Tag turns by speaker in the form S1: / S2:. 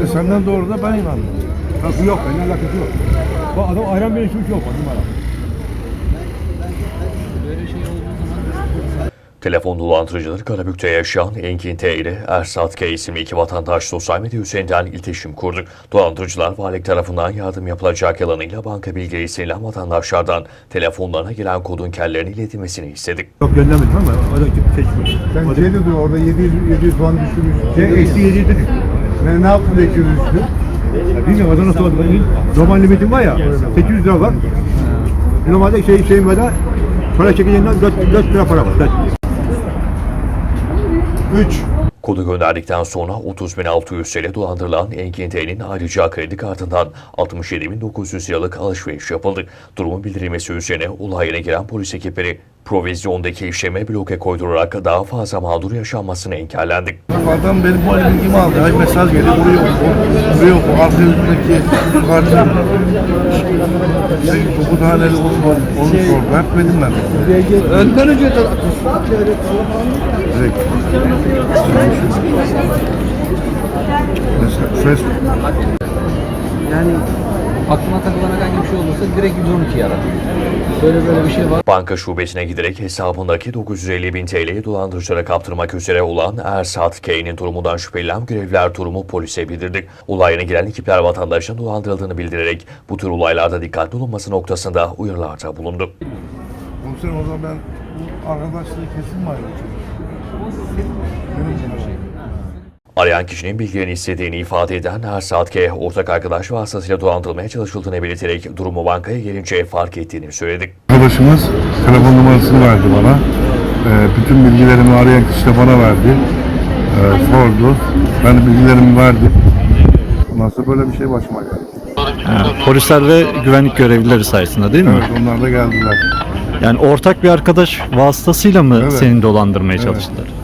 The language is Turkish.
S1: senden doğru da ben inandım.
S2: Nasıl yok? Benimle alakası yok. Bu adam ayran beni suç yok. Numara.
S3: Telefon dolandırıcıları Karabük'te yaşayan Engin T ile Ersat K isimli iki vatandaş sosyal medya üzerinden iletişim kurdu. Dolandırıcılar valilik tarafından yardım yapılacak yalanıyla banka bilgileri istenilen vatandaşlardan telefonlarına gelen kodun kendilerine iletilmesini istedi.
S2: Yok göndermedim ama o da seçmiyor.
S4: Sen şey dedin orada 700 puan düşürmüş.
S2: Eksi 7 dedi.
S4: Ne yaptın da 200 düştü?
S2: Bilmiyorum o da nasıl oldu. Normal limitim var ya 800 lira var. Normalde şeyim var da para çekeceğinden 4 lira para var. 4.
S4: 3.
S3: Kodu gönderdikten sonra 30.600 TL dolandırılan Engin T'nin ayrıca kredi kartından 67.900 liralık alışveriş yapıldı. Durumun bildirilmesi üzerine olay yerine giren polis ekipleri provizyondaki işleme bloke koydurarak daha fazla mağdur yaşanmasını engellendi.
S1: Adam benim bu bilgimi aldı. Ay mesaj geliyor. Vuruyor bu. Arka yüzündeki kartı. 9 haneli onu sordu. Hep benim ben.
S4: Önden önce de
S1: Direkt. Mesela Facebook.
S5: Yani aklına takılan herhangi bir şey olursa direkt 112'yi arar. Böyle bir şey var.
S3: Banka şubesine giderek hesabındaki 950.000 TL'yi dolandırıcılara kaptırmak üzere olan Ersat K'nin durumundan şüphelenen görevliler durumu polise bildirdi. Olay yerine gelen ekipler vatandaşın dolandırıldığını bildirerek bu tür olaylarda dikkatli olunması noktasında uyarılarda bulundu.
S1: Komiserim o zaman ben bu arkadaşlığı kesin mi ayrılacağım?
S3: Arayan kişinin bilgilerini istediğini ifade eden Ersat K, ortak arkadaş vasıtasıyla dolandırılmaya çalışıldığını belirterek durumu bankaya gelince fark ettiğini söyledi.
S1: Arkadaşımız telefon numarasını verdi bana. Bütün bilgilerimi arayan kişi de bana verdi. Sordu. Ben de bilgilerimi verdim. Ondan sonra böyle bir şey başıma geldi.
S6: Polisler ve güvenlik görevlileri sayesinde değil mi?
S1: Evet, onlar da geldiler.
S6: Yani ortak bir arkadaş vasıtasıyla mı
S1: Evet.
S6: seni dolandırmaya çalıştılar?